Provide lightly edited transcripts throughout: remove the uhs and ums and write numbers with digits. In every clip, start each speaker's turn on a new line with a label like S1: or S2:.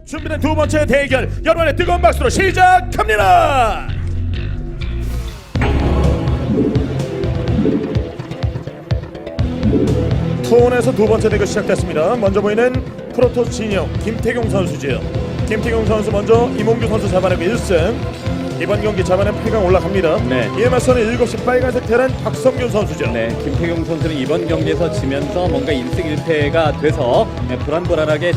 S1: 준비된 두 번째 대결 여러분의 뜨거운 박수로 시작합니다. 투혼에서 두 번째 대결 시작됐습니다. 먼저 보이는 프로토스 진영 김태경 선수지요. 김태경 선수 먼저 이몽규 선수 잡아내고 1승. 이번 경기 잡아낸 8강 올라갑니다.
S2: 네.
S1: 이에 맞서는 7시 빨간색 테란 박성균 선수죠.
S2: 네, 김태경 선수는 이번 경기에서 지면서 뭔가 1승 1패가 돼서 불안불안하게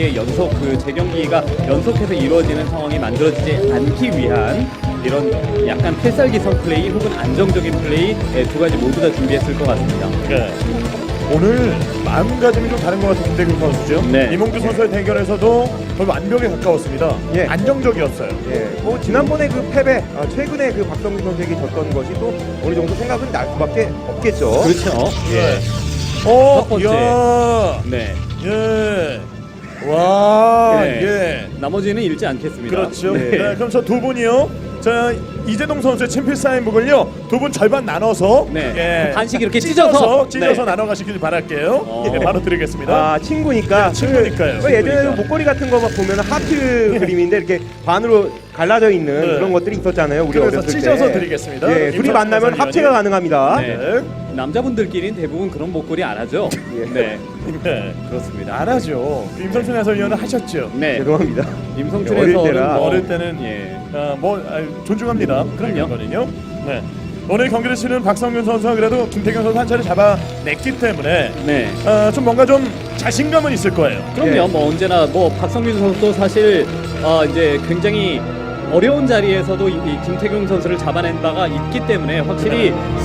S2: 재경기가 연속해서 이루어지는 상황이 만들어지지 않기 위한 이런 약간 필살기성 플레이 혹은 안정적인 플레이 두 가지 모두 다 준비했을 것 같습니다.
S1: 네. 오늘 마음가짐이 좀 다른 것 같은 김태균 선수죠.
S2: 네.
S1: 이몽규 선수의 대결에서도 거의 완벽에 가까웠습니다.
S3: 예.
S1: 안정적이었어요.
S3: 예, 뭐 지난번에 그 패배, 최근에 그 박성균 선수에게 졌던 것이 또 어느 정도 생각은 날 수밖에 없겠죠.
S2: 그렇죠.
S1: 예.
S2: 첫 번째.
S1: 야.
S2: 네.
S1: 예. 와.
S2: 네.
S1: 예.
S2: 나머지는 잃지 않겠습니다.
S1: 그렇죠.
S2: 네.
S1: 네. 그럼 저 두 분이요. 자 이재동 선수의 친필 사인북을요 두 분 절반 나눠서
S2: 네. 반씩 이렇게 찢어서
S1: 네.
S2: 네.
S1: 나눠가시길 바랄게요. 예, 바로 드리겠습니다.
S3: 아, 친구니까.
S1: 네, 친구니까요.
S3: 그 예전에
S1: 친구니까.
S3: 목걸이 같은 거 막 보면 하트 그림인데 이렇게 반으로 갈라져 있는
S1: 네.
S3: 그런 것들이 있었잖아요. 우리
S1: 그래서
S3: 어렸을 때.
S1: 찢어서 드리겠습니다.
S3: 예, 둘이
S1: 임성춘
S3: 만나면
S1: 해설위원이.
S3: 합체가 가능합니다.
S2: 네.
S1: 네.
S2: 남자분들끼리는 대부분 그런 목걸이 안 하죠.
S3: 예.
S2: 네.
S1: 네.
S2: 그렇습니다.
S1: 안 하죠. 임성춘 해설위원은 하셨죠.
S2: 네.
S3: 죄송합니다.
S2: 임성춘
S3: 어릴
S2: 해설은
S3: 때라.
S1: 어릴 때는
S2: 예.
S1: 존중합니다.
S2: 그럼요.
S1: 거든요. 네. 오늘 경기를 치는 박성균 선수가 그래도 김태경 선수 한 차례 잡아냈기 때문에
S2: 네.
S1: 좀 뭔가 좀 자신감은 있을 거예요.
S2: 그럼요.
S3: 예.
S2: 뭐 언제나 뭐 박성균 선수도 사실 이제 굉장히 어려운 자리에서도 이 김태경 선수를 잡아낸 바가 있기 때문에 확실히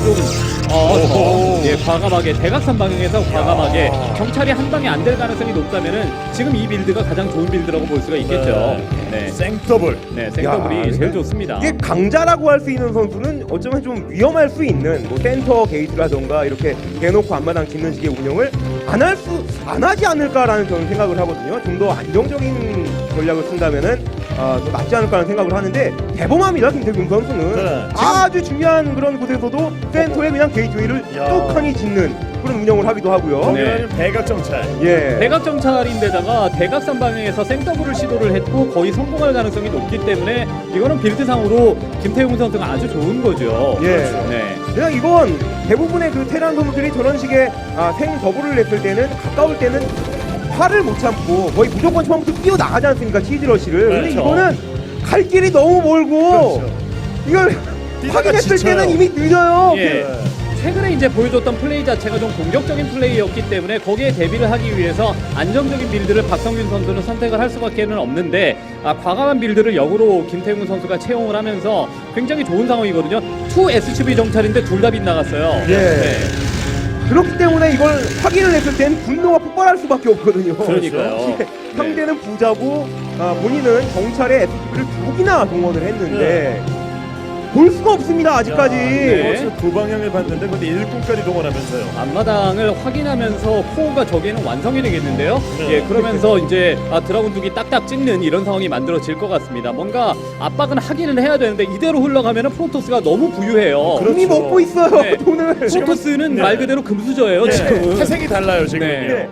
S2: 좀
S1: 오호.
S2: 예, 과감하게 대각선 방향에서 과감하게 경찰이 한 방에 안 될 가능성이 높다면은 지금 이 빌드가 가장 좋은 빌드라고 볼 수가 있겠죠. 네.
S1: 생더블.
S2: 네, 생더블이
S3: 야,
S2: 제일 좋습니다.
S3: 이게 강자라고 할 수 있는 선수는 어쩌면 좀 위험할 수 있는 뭐 센터 게이트라던가 이렇게 대놓고 앞마당 짓는 식의 운영을 안 하지 않을까라는 저는 생각을 하거든요. 좀 더 안정적인 전략을 쓴다면은 더 낫지 않을까라는 생각을 하는데 대범합니다. 김태균 선수는
S1: 네.
S3: 아주 중요한 그런 곳에서도 센터에 그냥 게이트웨이를
S1: 야.
S3: 뚝하니 짓는 그런 운영을 하기도 하고요.
S2: 네.
S1: 대각정찰.
S3: 예.
S2: 대각 정찰인데다가 대각선 방향에서 생더블을 시도를 했고 거의 성공할 가능성이 높기 때문에 이거는 빌드상으로 김태용 선수가 아주 좋은 거죠.
S3: 예.
S2: 네.
S3: 그냥 이건 대부분의 그 테란 선수들이 저런 식의 생 더블을 냈을 때는 가까울 때는 화를 못 참고 거의 무조건 처음부터 뛰어나가지 않습니까? 치즈러시를. 근데
S1: 그렇죠.
S3: 이거는 갈 길이 너무 멀고
S1: 그렇죠.
S3: 이걸
S1: 뛰다가
S3: 확인했을
S1: 지쳐요.
S3: 때는 이미 늦어요.
S2: 예. 최근에 이제 보여줬던 플레이 자체가 좀 공격적인 플레이였기 때문에 거기에 대비를 하기 위해서 안정적인 빌드를 박성균 선수는 선택을 할 수밖에는 없는데 과감한 빌드를 역으로 김태훈 선수가 채용을 하면서 굉장히 좋은 상황이거든요. 2SCV 정찰인데 둘 다 빗나갔어요.
S3: 예.
S2: 네.
S3: 그렇기 때문에 이걸 확인을 했을 땐 분노가 폭발할 수밖에 없거든요.
S2: 그러니까요.
S3: 예. 상대는 부자고 본인은 경찰에 SCV를 두 개나 동원을 했는데 볼 수가 없습니다. 아직까지.
S2: 네.
S1: 두 방향을 봤는데 근데 일꾼까지 동원하면서요.
S2: 앞마당을 확인하면서 코어가 저기에는 완성이 되겠는데요.
S1: 네.
S2: 예, 그러면서 이제 드라군 두기 딱딱 찍는 이런 상황이 만들어질 것 같습니다. 뭔가 압박은 하기는 해야 되는데 이대로 흘러가면은 프로토스가 너무 부유해요.
S1: 그렇죠.
S3: 이미 먹고 있어요.
S2: 네.
S3: 돈을.
S2: 프로토스는
S1: 네.
S2: 말 그대로 금수저예요.
S1: 예,
S2: 지금은.
S1: 태생이 달라요 지금.
S2: 네.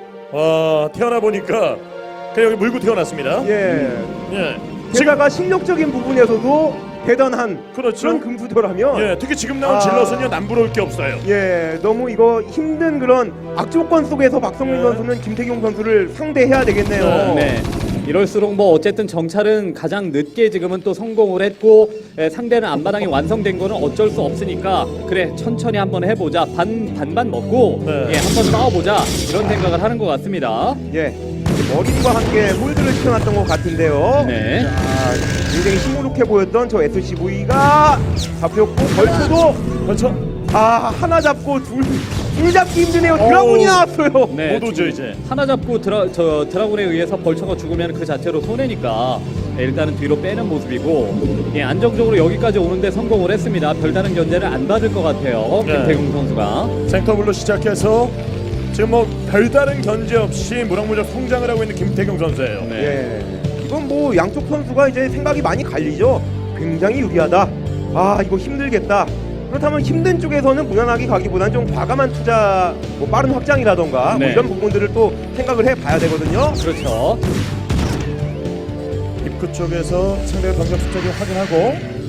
S1: 태어나 보니까 그냥 여기 물고 태어났습니다.
S3: 예.
S1: 예.
S3: 게다가 실력적인 부분에서도 대단한
S1: 그렇죠.
S3: 그런 금수저라면
S1: 예, 특히 지금 나온 질럿은요 남부러울 게 없어요.
S3: 예, 너무 이거 힘든 그런 악조건 속에서 박성민
S1: 네.
S3: 선수는 김태경 선수를 상대해야 되겠네요.
S2: 네. 이럴수록 뭐 어쨌든 정찰은 가장 늦게 지금은 또 성공을 했고 상대는 앞마당이 완성된 거는 어쩔 수 없으니까 그래 천천히 한번 해보자 반반 먹고
S1: 네.
S2: 예, 한번 싸워보자 이런 생각을 하는 것 같습니다.
S3: 예, 머리과 함께 홀드를 시켜놨던 것 같은데요.
S2: 네.
S3: 굉장히 시무룩해 보였던 저 SCV가 잡혔고 벌초도
S1: 그렇죠.
S3: 하나 잡고 둘 잡기 힘드네요. 드라군이 나왔어요.
S2: 네,
S1: 못 오죠 이제.
S2: 하나 잡고 드라군에 의해서 벌처가 죽으면 그 자체로 손해니까 일단은 뒤로 빼는 모습이고 예, 안정적으로 여기까지 오는데 성공을 했습니다. 별다른 견제를 안 받을 것 같아요.
S1: 네.
S2: 김태경 선수가.
S1: 생터블로 시작해서 지금 뭐 별다른 견제 없이 무럭무럭 성장을 하고 있는 김태경 선수예요.
S2: 네.
S3: 예, 이건 뭐 양쪽 선수가 이제 생각이 많이 갈리죠. 굉장히 유리하다. 이거 힘들겠다. 그렇다면 힘든 쪽에서는 무난하게 가기보다는 좀 과감한 투자, 뭐 빠른 확장이라던가
S2: 네.
S3: 뭐 이런 부분들을 또 생각을 해봐야 되거든요.
S2: 그렇죠.
S1: 입구 쪽에서 상대의 병력 숫자 좀 확인하고.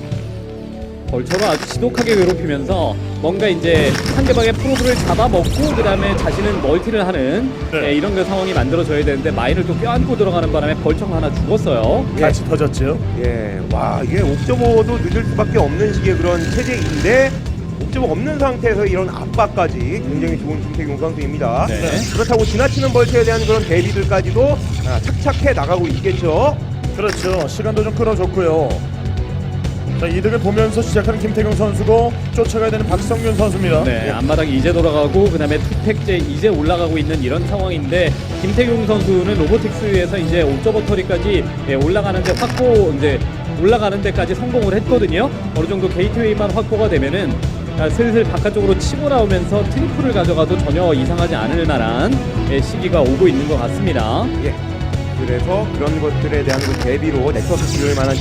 S2: 벌처로 아주 지독하게 괴롭히면서 뭔가 이제 상대방의 프로브를 잡아먹고 그 다음에 자신은 멀티를 하는
S1: 네.
S2: 이런 그 상황이 만들어져야 되는데 마인을 또 껴안고 들어가는 바람에 벌처가 하나 죽었어요.
S1: 같이 터졌죠.
S3: 예, 와 이게 옵저버도 늦을 수밖에 없는 식의 그런 체제인데 옵저버 없는 상태에서 이런 압박까지 굉장히 좋은 김태경 선수입니다.
S2: 네.
S3: 그렇다고 지나치는 벌처에 대한 그런 대비들까지도 착착해 나가고 있겠죠.
S1: 그렇죠. 시간도 좀 끌어줬고요. 자, 이득을 보면서 시작하는 김태경 선수고 쫓아가야 되는 박성균 선수입니다.
S2: 네,
S1: 예.
S2: 앞마당 이제 돌아가고 그 다음에 투팩제 이제 올라가고 있는 이런 상황인데 김태경 선수는 로보틱스에서 이제 옵저버터리까지 올라가는데 이제 올라가는 데까지 성공을 했거든요. 어느 정도 게이트웨이만 확보가 되면은 슬슬 바깥쪽으로 치고 나오면서 트리플을 가져가도 전혀 이상하지 않을 만한 시기가 오고 있는 것 같습니다.
S3: 예. 그래서 그런 것들에 대한 그 대비로 넥서스 지을 만한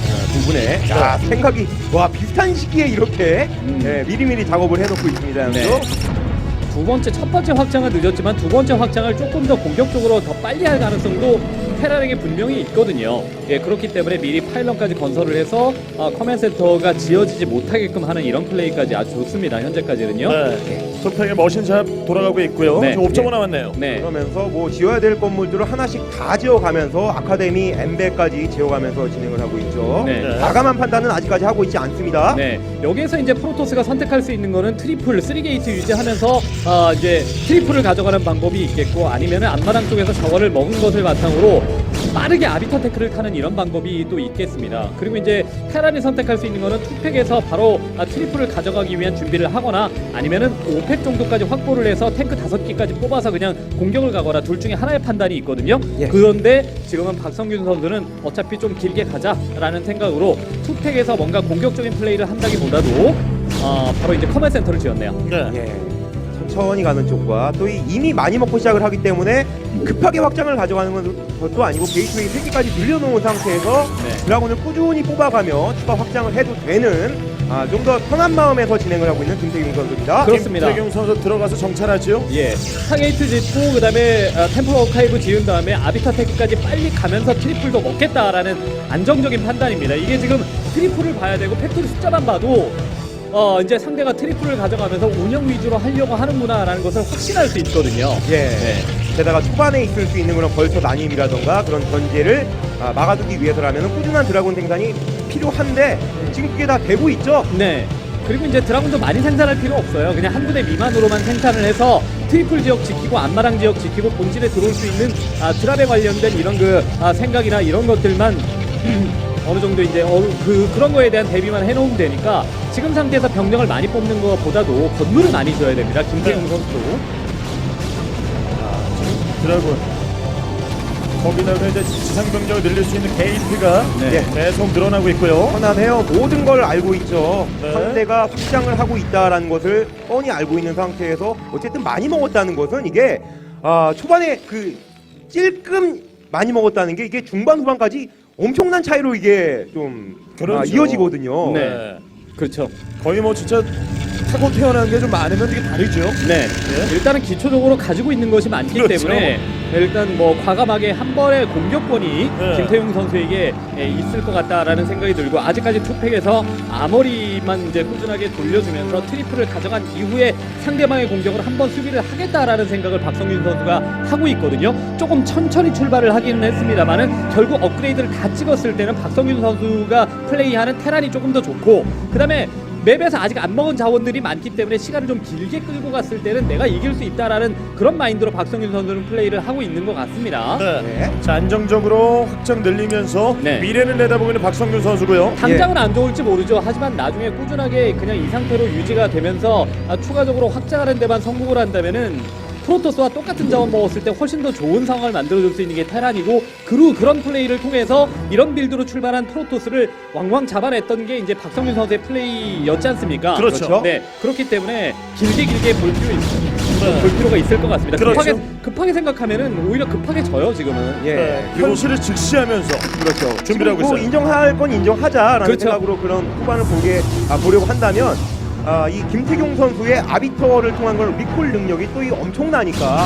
S3: 부분에 생각이 비슷한 시기에 이렇게 미리미리 작업을 해놓고 있습니다.
S2: 네.
S3: 양쪽.
S2: 첫 번째 확장은 늦었지만 두 번째 확장을 조금 더 공격적으로 더 빨리 할 가능성도 테란에게 분명히 있거든요. 예, 그렇기 때문에 미리 파일럿까지 건설을 해서 커맨 센터가 지어지지 못하게끔 하는 이런 플레이까지 아주 좋습니다. 현재까지는요.
S1: 네. 투팩의 머신샵 돌아가고 있고요.
S2: 네.
S1: 지금 옵저버 남았네요.
S2: 네.
S3: 그러면서 뭐 지어야 될 건물들을 하나씩 다 지어가면서 아카데미 엠베까지 지어가면서 진행을 하고 있죠.
S2: 네.
S3: 과감한 판단은 아직까지 하고 있지 않습니다.
S2: 네, 여기에서 이제 프로토스가 선택할 수 있는 거는 트리플, 3게이트 유지하면서 이제 트리플을 가져가는 방법이 있겠고 아니면은 앞마당 쪽에서 저거를 먹은 것을 바탕으로 빠르게 아비터 테크를 타는 이런 방법이 또 있겠습니다. 그리고 이제 테란이 선택할 수 있는 거는 투팩에서 바로 트리플을 가져가기 위한 준비를 하거나 아니면은 5팩 정도까지 확보를 해서 탱크 5기까지 뽑아서 그냥 공격을 가거나 둘 중에 하나의 판단이 있거든요.
S3: 예.
S2: 그런데 지금은 박성균 선수는 어차피 좀 길게 가자라는 생각으로 투팩에서 뭔가 공격적인 플레이를 한다기보다도 바로 이제 커맨 센터를 지었네요.
S1: 네.
S3: 예. 천천히 가는 쪽과 또 이미 많이 먹고 시작을 하기 때문에 급하게 확장을 가져가는 것도 아니고 게이트웨이 3개까지 늘려놓은 상태에서
S2: 네.
S3: 드라군을 꾸준히 뽑아가며 추가 확장을 해도 되는 좀 더 편한 마음에서 진행을 하고 있는 김태경 선수입니다.
S2: 그렇습니다.
S1: 김태경 선수 들어가서 정찰하죠.
S2: 예, 스타게이트 짓고 그다음에 템플 어카이브 지은 다음에 아비타 테크까지 빨리 가면서 트리플도 먹겠다라는 안정적인 판단입니다. 이게 지금 트리플을 봐야 되고 팩토리 숫자만 봐도 이제 상대가 트리플을 가져가면서 운영 위주로 하려고 하는구나라는 것을 확신할 수 있거든요.
S3: 예.
S2: 네.
S3: 게다가 초반에 있을 수 있는 그런 벌처 난임이라던가 그런 견제를 막아두기 위해서라면 꾸준한 드라군 생산이 필요한데 지금 그게 다 되고 있죠.
S2: 네. 그리고 이제 드라군도 많이 생산할 필요 없어요. 그냥 한 군데 미만으로만 생산을 해서 트리플 지역 지키고 앞마당 지역 지키고 본질에 들어올 수 있는 드랍에 관련된 이런 그 생각이나 이런 것들만 어느 정도 이제 그런 거에 대한 대비만 해놓으면 되니까 지금 상태에서 병력을 많이 뽑는 것보다도 건물을 많이 줘야 됩니다. 김태경
S1: 네.
S2: 선수도.
S1: 드라군. 거기다가 이제 지상 병력을 늘릴 수 있는 게이트가
S2: 네.
S1: 계속 늘어나고 있고요.
S3: 편안해요. 모든 걸 알고 있죠.
S1: 네.
S3: 상대가 확장을 하고 있다라는 것을 뻔히 알고 있는 상태에서 어쨌든 많이 먹었다는 것은 이게 초반에 그 찔끔 많이 먹었다는 게 이게 중반 후반까지 엄청난 차이로 이게 좀
S1: 그렇죠.
S3: 이어지거든요.
S2: 네. 그렇죠.
S1: 거의 뭐 진짜 타고 태어난 게 좀 많으면 되게 다르죠.
S2: 네.
S1: 예.
S2: 일단은 기초적으로 가지고 있는 것이 많기
S1: 그렇죠.
S2: 때문에 일단 뭐 과감하게 한 번의 공격권이
S1: 네.
S2: 김태용 선수에게 있을 것 같다라는 생각이 들고 아직까지 투팩에서 아머리만 이제 꾸준하게 돌려주면서 트리플을 가져간 이후에 상대방의 공격을 한 번 수비를 하겠다라는 생각을 박성균 선수가 하고 있거든요. 조금 천천히 출발을 하기는 했습니다만은 결국 업그레이드를 다 찍었을 때는 박성균 선수가 플레이하는 테란이 조금 더 좋고 그다음에 맵에서 아직 안 먹은 자원들이 많기 때문에 시간을 좀 길게 끌고 갔을 때는 내가 이길 수 있다라는 그런 마인드로 박성균 선수는 플레이를 하고 있는 것 같습니다.
S1: 네.
S3: 네.
S1: 자, 안정적으로 확장 늘리면서
S2: 네.
S1: 미래를 내다보고 있는 박성균 선수고요.
S2: 당장은 안 좋을지 모르죠. 하지만 나중에 꾸준하게 그냥 이 상태로 유지가 되면서 추가적으로 확장하는 데만 성공을 한다면은 프로토스와 똑같은 자원 먹었을 때 훨씬 더 좋은 상황을 만들어줄 수 있는 게 테란이고 그런 플레이를 통해서 이런 빌드로 출발한 프로토스를 왕왕 잡아냈던 게 이제 박성균 선수의 플레이였지 않습니까?
S1: 그렇죠.
S2: 네, 그렇기 때문에 길게 볼
S1: 네.
S2: 필요가 있을 것 같습니다.
S1: 그렇죠.
S2: 급하게 생각하면은 오히려 급하게 져요 지금은.
S3: 예.
S1: 네.
S3: 그리고
S1: 현실을 직시하면서
S3: 그렇죠.
S1: 준비를 하고
S3: 뭐
S1: 있어요.
S3: 인정할 건 인정하자라는
S2: 그렇죠.
S3: 생각으로 그런 후반을 보려고 한다면 이 김태경 선수의 아비터를 통한 걸 리콜 능력이 또 이 엄청나니까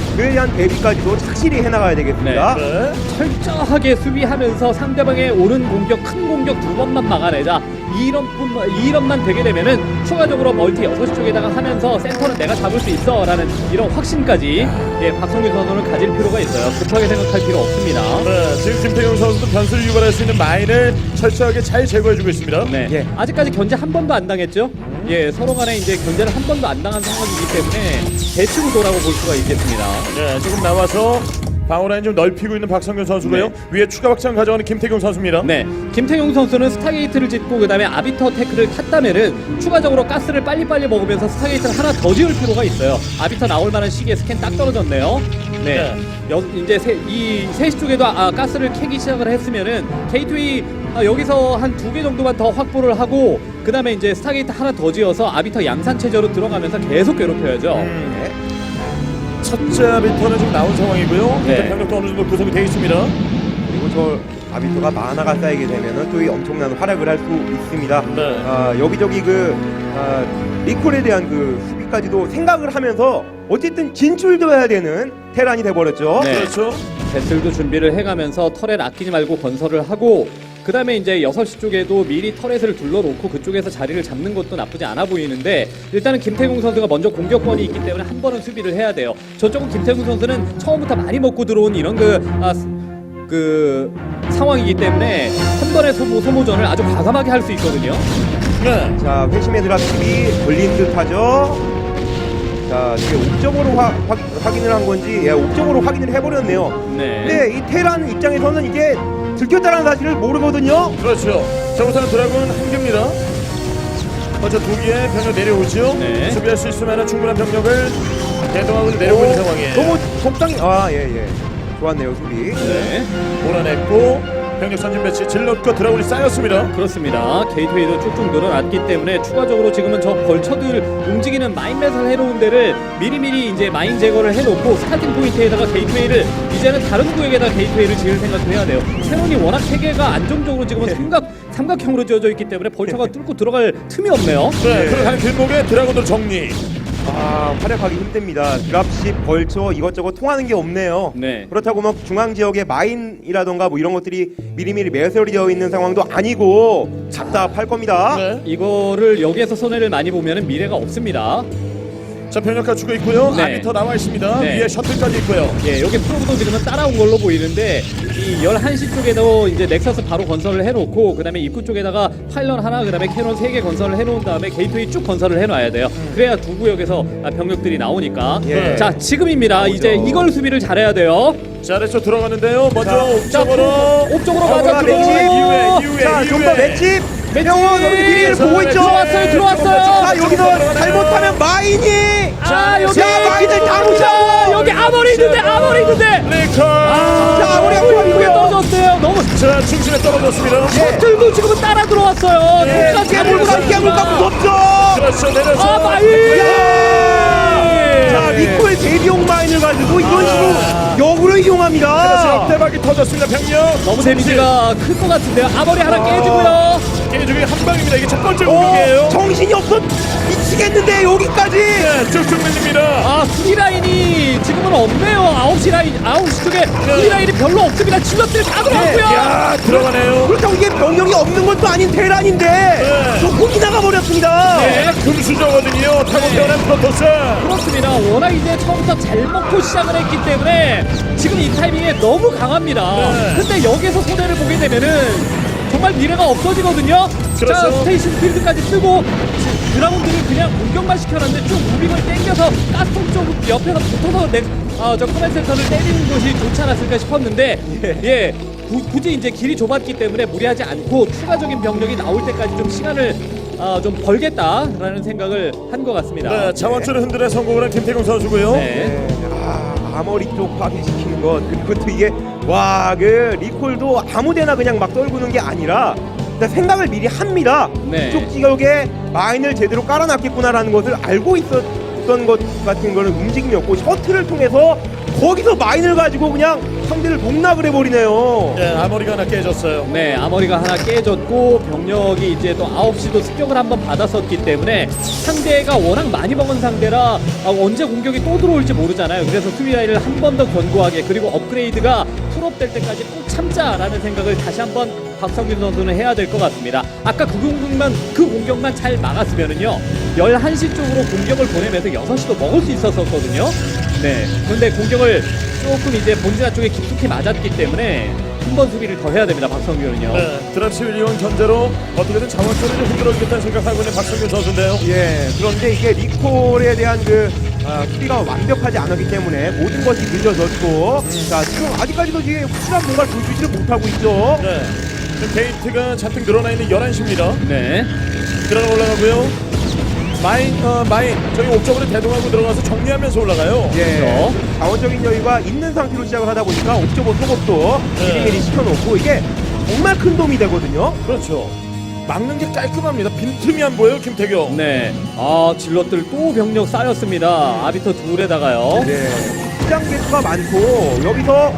S3: 그에 대한 대비까지도 착실히 해나가야 되겠습니다.
S1: 네.
S2: 철저하게 수비하면서 상대방의 오른 공격, 큰 공격 두 번만 막아내자. 이런만 되게 되면은 추가적으로 멀티 6시 쪽에다가 하면서 센터는 내가 잡을 수 있어 라는 이런 확신까지 박성균 선수는 가질 필요가 있어요. 급하게 생각할 필요 없습니다.
S1: 네, 지금 김태경 선수도 변수를 유발할 수 있는 마인을 철저하게 잘 제거해주고 있습니다.
S2: 네.
S3: 예.
S2: 아직까지 견제 한 번도 안 당했죠? 예, 서로 간에 이제 견제를 한 번도 안 당한 상황이기 때문에 대충도라고 볼 수가 있겠습니다.
S1: 네, 지금 나와서 방어라인 좀 넓히고 있는 박성균 선수고요.
S2: 네.
S1: 위에 추가 확장 가져가는 김태경 선수입니다.
S2: 네, 김태용 선수는 스타게이트를 짓고 그 다음에 아비터 테크를 탔다면은 추가적으로 가스를 빨리빨리 먹으면서 스타게이트를 하나 더 지을 필요가 있어요. 아비터 나올 만한 시기에 스캔 딱 떨어졌네요. 네, 이제 이 3시 쪽에도 가스를 캐기 시작을 했으면은 게이트웨이 여기서 한 2개 정도만 더 확보를 하고 그 다음에 이제 스타게이트 하나 더 지어서 아비터 양산 체제로 들어가면서 계속 괴롭혀야죠.
S3: 네.
S1: 첫째 아비터는 지금 나온 상황이고요.
S2: 네.
S1: 일단 병력도 어느 정도 구성이 되어 있습니다.
S3: 그리고 저 아비토가 만화가 쌓이게 되면은 또 이 엄청난 활약을 할 수 있습니다.
S1: 네.
S3: 여기저기 리콜에 대한 그 수비까지도 생각을 하면서 어쨌든 진출도 해야 되는 테란이 돼버렸죠.
S2: 네.
S1: 그렇죠.
S2: 배슬도 준비를 해가면서 터렛 아끼지 말고 건설을 하고 그 다음에 이제 6시 쪽에도 미리 터렛을 둘러놓고 그쪽에서 자리를 잡는 것도 나쁘지 않아 보이는데 일단은 김태gung 선수가 먼저 공격권이 있기 때문에 한 번은 수비를 해야 돼요. 저쪽은 김태gung 선수는 처음부터 많이 먹고 들어온 이런 그 상황이기 때문에 한 번의 소모전을 아주 과감하게 할 수 있거든요.
S1: 네.
S3: 자, 회심의 드랍십이 걸린 듯하죠. 자, 이게 옵적으로 확인을 한 건지, 옵적으로 확인을 해버렸네요.
S2: 네.
S3: 근데 이 테란 입장에서는 이게 들켰다는 사실을 모르거든요.
S1: 그렇죠. 자, 우선 드라군 한 개입니다. 먼저 2개의 병력 내려오죠.
S2: 네.
S1: 수비할 수 있으면 충분한 병력을 대동하고 내려오고 있는 상황이에요.
S3: 너무 적당히, 예. 좋았네요, 수비.
S2: 네.
S1: 몰아냈고 병력 선진 배치 질럿과 드라군이 쌓였습니다.
S2: 그렇습니다. 게이트웨이도 쭉쭉 늘어났기 때문에 추가적으로 지금은 저 벌처들 움직이는 마인 매설 해놓은 데를 미리미리 이제 마인 제거를 해놓고 스타팅 포인트에다가 게이트웨이를 이제는 다른 구역에다 게이트웨이를 지을 생각을 해야 돼요. 세원이 워낙 체계가 안정적으로 지금은 삼각형으로 지어져 있기 때문에 벌처가 뚫고 들어갈 틈이 없네요.
S1: 네, 그러한 길목에 드라군들 정리.
S3: 활약하기 힘듭니다. 드랍십, 벌초 이것저것 통하는 게 없네요.
S2: 네.
S3: 그렇다고 막 중앙 지역에 마인이라던가 뭐 이런 것들이 미리미리 매설이 되어 있는 상황도 아니고 답답할 겁니다.
S1: 네.
S2: 이거를 여기에서 손해를 많이 보면은 미래가 없습니다.
S1: 자, 병력 갖추고 있고요.
S2: 네.
S1: 아비터 나와 있습니다.
S2: 네.
S1: 위에 셔틀까지 있고요.
S2: 예, 여기 프로브도 지금은 따라온 걸로 보이는데 이 11시 쪽에도 이제 넥서스 바로 건설을 해놓고 그 다음에 입구 쪽에다가 파일런 하나 그 다음에 캐논 3개 건설을 해놓은 다음에 게이트웨이 쭉 건설을 해놔야 돼요. 그래야 두 구역에서 병력들이 나오니까.
S3: 예.
S2: 자, 지금입니다. 이제 이걸 수비를 잘해야 돼요.
S1: 자, 아래쪽 들어가는데요. 먼저
S3: 자,
S1: 옥쪽으로
S2: 옥쪽으로 맞아
S3: 맷집.
S1: 이후에
S3: 자, 좀 더 맷집.
S2: 맷집.
S3: 병원 여기 비리를 보고 있죠.
S2: 들어왔어요.
S3: 자, 여기서 잘못하면 마인이.
S2: 여기
S3: 자, 마인을 다 놓쳐.
S2: 여기 아머리 있는데.
S1: 리콜.
S3: 자, 아무리
S2: 이게 떨어졌어요. 너무
S1: 자, 중심에 떨어졌습니다.
S2: 셔틀도 지금은 따라 들어왔어요.
S1: 예.
S3: 깨물까 무섭죠.
S1: 그렇죠. 내려서.
S2: 마인.
S3: 자, 리콜 대비용 마인을 가지고 이런 식으로 역으로
S1: 그래서
S3: 이용합니다.
S1: 역대박이 터졌습니다. 병력.
S2: 너무 데미지가 클 것 같은데요. 아머리 하나 깨지고요.
S1: 깨지기 한 방입니다. 이게 첫 번째 공격이에요.
S3: 정신이 없어 미치겠는데 여기까지.
S1: 네, 쭉쭉 밀립니다.
S2: 수비 라인이 지금은 없네요. 9시 쪽에 수비 라인이 별로 없습니다. 질럿들 다 들어왔고요.
S1: 야, 들어가네요.
S3: 그렇다고 이게 병력이 없는 것도 아닌 테란인데 조금 나가 버렸습니다.
S1: 네, 금수저거든요. 타고 태어난 프로토스.
S2: 그렇습니다. 워낙 이제 처음부터 잘 먹고 시작을 했기 때문에 지금 이 타이밍에 너무 강합니다.
S1: 네.
S2: 근데 여기서 손해를 보게 되면은 정말 미래가 없어지거든요.
S1: 그렇죠.
S2: 자, 스테이션 필드까지 쓰고 드라군들을 그냥 공격만 시켜놨는데 쭉 무빙을 당겨서 가스통 쪽 옆에서 붙어서 저 커맨 센터를 때리는 것이 좋지 않았을까 싶었는데 굳이 이제 길이 좁았기 때문에 무리하지 않고 추가적인 병력이 나올 때까지 좀 시간을 좀 벌겠다라는 생각을 한 것 같습니다.
S1: 네, 자원줄을 흔들어 성공을 한 김태경 선수고요.
S2: 네.
S3: 아머리 쪽 파괴시키는 것 그리고 또 이게 그 리콜도 아무데나 그냥 막 떨구는 게 아니라 일단 생각을 미리 합니다.
S2: 네.
S3: 이쪽 지역에 마인을 제대로 깔아놨겠구나라는 것을 알고 있었던 것 같은 거는 움직임이었고 셔틀을 통해서 거기서 마인을 가지고 그냥 상대를 농락을 해버리네요.
S1: 네, 아머리가 하나 깨졌어요.
S2: 네, 아머리가 하나 깨졌고 병력이 이제 또 9시도 습격을 한번 받았었기 때문에 상대가 워낙 많이 먹은 상대라 언제 공격이 또 들어올지 모르잖아요. 그래서 수비 라인을 한 번 더 견고하게 그리고 업그레이드가 풀업 될 때까지 꼭 참자라는 생각을 다시 한번 박성균 선수는 해야 될 것 같습니다. 아까 그 공격만 잘 막았으면은요 11시 쪽으로 공격을 보내면서 6시도 먹을 수 있었거든요. 네, 그런데 공격을 조금 이제 본진화 쪽에 깊숙이 맞았기 때문에 한 번 수비를 더 해야 됩니다. 박성균은요.
S1: 네, 드랍시 윌리온 견제로 어떻게든 자원줄을 좀 흔들어주겠다는 생각하고 있는 박성균 선수인데요.
S3: 예, 그런데 이게 리콜에 대한 수비가 완벽하지 않았기 때문에 모든 것이 늦어졌고, 자, 지금 아직까지도 지금 확실한 뭔가를 보여주지를 못하고 있죠.
S1: 네, 지금 게이트가 잔뜩 늘어나 있는 11시입니다.
S2: 네.
S1: 들어가 올라가고요. 마인 저기 옥쪽으로 대동하고 들어가서 정리하면서 올라가요.
S3: 예,
S2: 그렇죠.
S3: 자원적인 여유가 있는 상태로 시작을 하다 보니까 옵저버 속업도
S1: 네.
S3: 미리미리 시켜놓고 이게 정말 큰 도움이 되거든요.
S1: 그렇죠. 막는 게 깔끔합니다. 빈틈이 안 보여요, 김태경.
S2: 네. 아, 질럿들 또 병력 쌓였습니다. 아비터 둘에다가요.
S3: 네, 시장 개수가 많고 여기서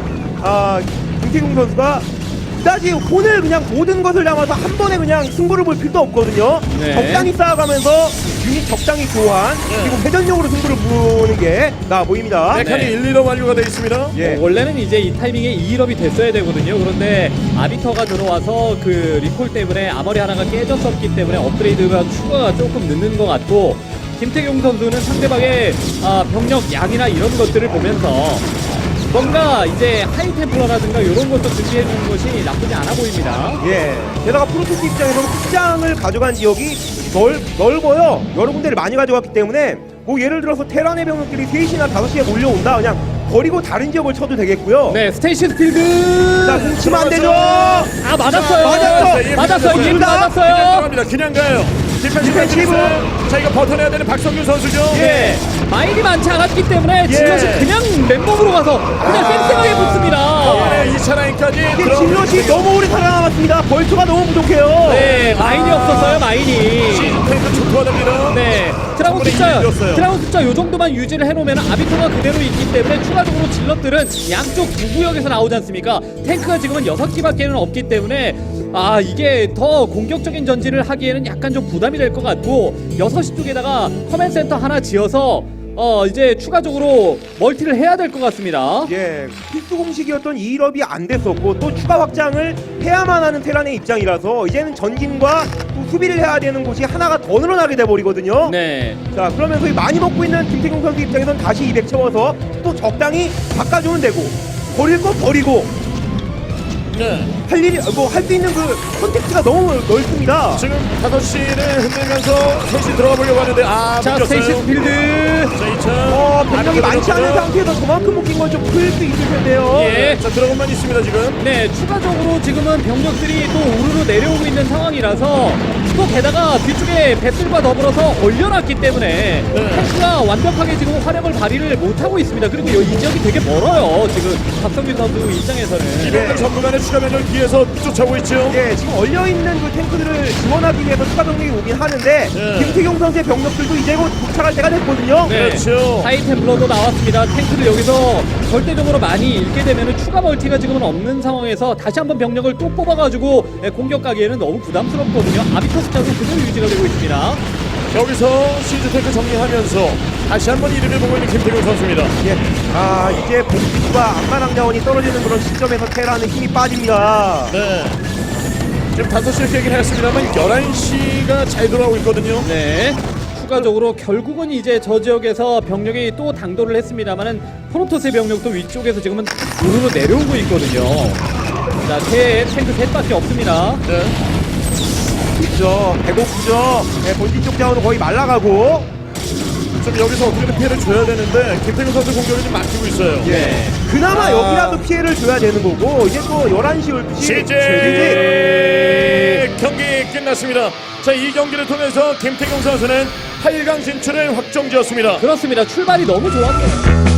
S3: 김태경 선수가 그다지 오늘 그냥 모든 것을 담아서 한 번에 그냥 승부를 볼 필요도 없거든요.
S2: 네.
S3: 적당히 쌓아가면서 유닛 적당히 교환 그리고 회전력으로 승부를 보는 게 나아 보입니다.
S1: 네, 칸이
S2: 네.
S1: 1, 2로 완료가 되어 있습니다.
S3: 예.
S2: 원래는 이제 이 타이밍에 2일업이 됐어야 되거든요. 그런데 아비터가 들어와서 그 리콜 때문에 아머리 하나가 깨졌었기 때문에 업그레이드가 추가가 조금 늦는 것 같고 김태경 선수는 상대방의 병력 양이나 이런 것들을 보면서 뭔가 이제 하이템플러라든가 이런 것도 준비해 주는 것이 나쁘지 않아 보입니다.
S3: 예. 게다가 프로토스 입장에서는 확장을 가져간 지역이 넓어요. 여러 군데를 많이 가져갔기 때문에 뭐 예를 들어서 테란의 병력들이 3시나 5시에 몰려온다. 그냥 버리고 다른 지역을 쳐도 되겠고요.
S2: 네, 스테이시 스필드.
S3: 자, 뭉치면 안 되죠.
S2: 아, 맞았어요.
S3: 맞았어.
S2: 맞았어요.
S1: 그냥
S2: 맞았어요.
S1: 들어갑니다. 그냥 가요. 디펜시브. 자, 이거 버텨내야 되는 박성균 선수죠.
S2: 예. 마일이 많지 않았기 때문에 질럿이 그냥 맨몸으로 가서 그냥 쌩쌩하게 붙습니다.
S1: 네, 2차 라인까지
S3: 이게 질럿이 너무 오래 살아남았습니다. 벌초가 너무 부족해요.
S2: 네, 마인이 없었어요. 마인이.
S1: 시즌 페이스 초토화됩니다.
S2: 네,
S1: 충분히 이겼어요.
S2: 드라곤 숫자 요 정도만 유지를 해놓으면 아비토가 그대로 있기 때문에 추가적으로 질럿들은 양쪽 두 구역에서 나오지 않습니까? 탱크가 지금은 6기밖에는 없기 때문에 이게 더 공격적인 전진을 하기에는 약간 좀 부담이 될 것 같고 6시 쪽에다가 커맨 센터 하나 지어서 이제 추가적으로 멀티를 해야 될 것 같습니다.
S3: 예, 필수 공식이었던 2일업이 안 됐었고 또 추가 확장을 해야만 하는 테란의 입장이라서 이제는 전진과 또 수비를 해야 되는 곳이 하나가 더 늘어나게 돼버리거든요.
S2: 네.
S3: 자, 그러면서 이 많이 먹고 있는 김태경 선수 입장에선 다시 200 채워서 또 적당히 바꿔주면 되고 버릴 거 버리고
S1: 네.
S3: 할 수 있는 그 선택지가 너무 넓습니다.
S1: 지금 5시를 흔들면서 3시 들어가 보려고 하는데
S2: 자,
S1: 묶였어요.
S2: 스테이시 스필드.
S1: 자, 2차.
S3: 병력이 많지 않은 상태에서 저만큼 묶인 건 좀 클 수 있을 텐데요.
S2: 예.
S1: 자, 드래곤만 있습니다, 지금.
S2: 네, 추가적으로 지금은 병력들이 또 우르르 내려오고 있는 상황이라서 또 게다가 뒤쪽에 배틀과 더불어서 올려놨기 때문에 탱크가 완벽하게 지금 화력을 발휘를 못하고 있습니다. 그리고 이 지역이 되게 멀어요. 지금 박성균 선수 입장에서는.
S1: 이병렬 전문간의 추가 변경 뒤에서 쫓아오고 있죠.
S3: 예, 지금 얼려있는 그 탱크들을 지원하기 위해서 추가 병력이 오긴 하는데
S1: 예.
S3: 김태경 선수의 병력들도 이제 곧 도착할 때가 됐거든요.
S2: 네,
S1: 그렇죠.
S2: 하이템플러도 나왔습니다. 탱크를 여기서 절대적으로 많이 잃게 되면 추가 멀티가 지금은 없는 상황에서 다시 한번 병력을 또 뽑아가지고 공격 가기에는 너무 부담스럽거든요. 아비터 숫자도 그대로 유지가 되고 있습니다.
S1: 여기서 시즈 탱크 정리하면서 다시 한번 이름을 보고 있는 김태경 선수입니다.
S3: 예. 이제 복지수가 안마랑 자원이 떨어지는 그런 시점에서 테라는 힘이 빠집니다.
S1: 네. 지금 5시에 깨긴 했습니다만 11시가 잘 돌아오고 있거든요.
S2: 네. 추가적으로 결국은 이제 저 지역에서 병력이 또 당도를 했습니다만은 프로토스의 병력도 위쪽에서 지금은 우르르 내려오고 있거든요. 자, 탱크 셋밖에 없습니다.
S1: 네.
S3: 그렇죠. 배고프죠. 예, 본진 쪽 자원은 거의 말라가고.
S1: 좀 여기서 어떻게든 피해를 줘야 되는데 김태경 선수 공격이 좀 막히고 있어요.
S3: 예. 그나마 여기라도 피해를 줘야 되는 거고 이제 또 11시 12시
S1: 시제 경기 끝났습니다. 자, 이 경기를 통해서 김태경 선수는 8강 진출을 확정지었습니다.
S2: 그렇습니다. 출발이 너무 좋았어요.